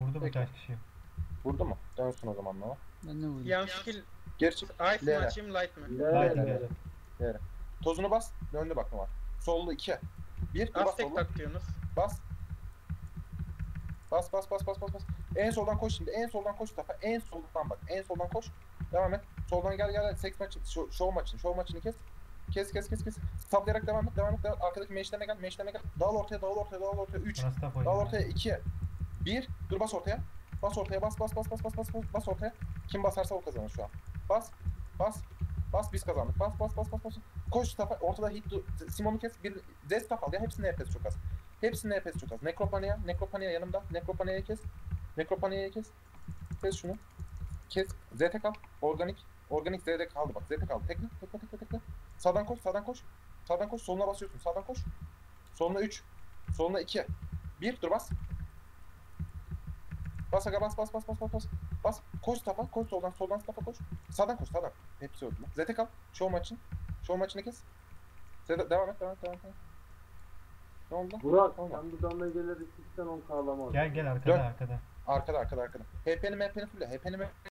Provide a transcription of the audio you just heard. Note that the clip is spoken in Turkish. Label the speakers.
Speaker 1: Vurdu mu
Speaker 2: Bekle.
Speaker 1: kaç kişi?
Speaker 2: Vurdu mu? Dönsün o zaman Nova.
Speaker 3: Ben de vurdum.
Speaker 4: Yan skill
Speaker 2: Geri çık.
Speaker 4: ice mi
Speaker 2: Lere.
Speaker 4: açayım light mı?
Speaker 1: Light.
Speaker 2: Lere. Tozunu bas. Döndü bak Nova. Sollu 2. 1. Bas
Speaker 4: Aztek
Speaker 2: sollu.
Speaker 4: tak diyorsunuz.
Speaker 2: Bas. Bas. En soldan koş şimdi. En soldan koş Mustafa. En soldan bak. En soldan koş. Devam et. Soldan gel. Seks maçı. Show maçını kes. Kes. Saplayarak devam et. Arkadaki meşlerine gel. Dağıl ortaya. 3.
Speaker 1: Bana staff
Speaker 2: Dağıl
Speaker 1: oynuyor.
Speaker 2: ortaya 2. 1. Dur bas ortaya. Bas ortaya. Kim basarsa o kazanır şu an. Bas biz kazandık. Bas. Koş Mustafa. Ortada hit. Simon'u kes. Bir Zestaf al ya. Hepsinin EPS çok az. Nekropania yanımda. Nekropania'yı kes. Kes şunu. Kes. ZT kal. Organik ZT kaldı bak. ZT kaldı. Tekle. Sağdan koş. Soluna basıyorsun. Sağdan koş. Soluna 3. Soluna 2. 1. Dur bas. Bas aga bas. Bas. Koş Stafa. Koş soldan Stafa koş. Sağdan koş. Hepsi öldü. ZT kal. Show maçını kes. Devam et. Ne oldu?
Speaker 5: Burak,
Speaker 2: Tamam.
Speaker 5: sen bu damlageleri 2'den 10 kağlamaz.
Speaker 1: Gel
Speaker 2: Dön.
Speaker 1: arkada.
Speaker 2: Arkada. HP'ni fulle.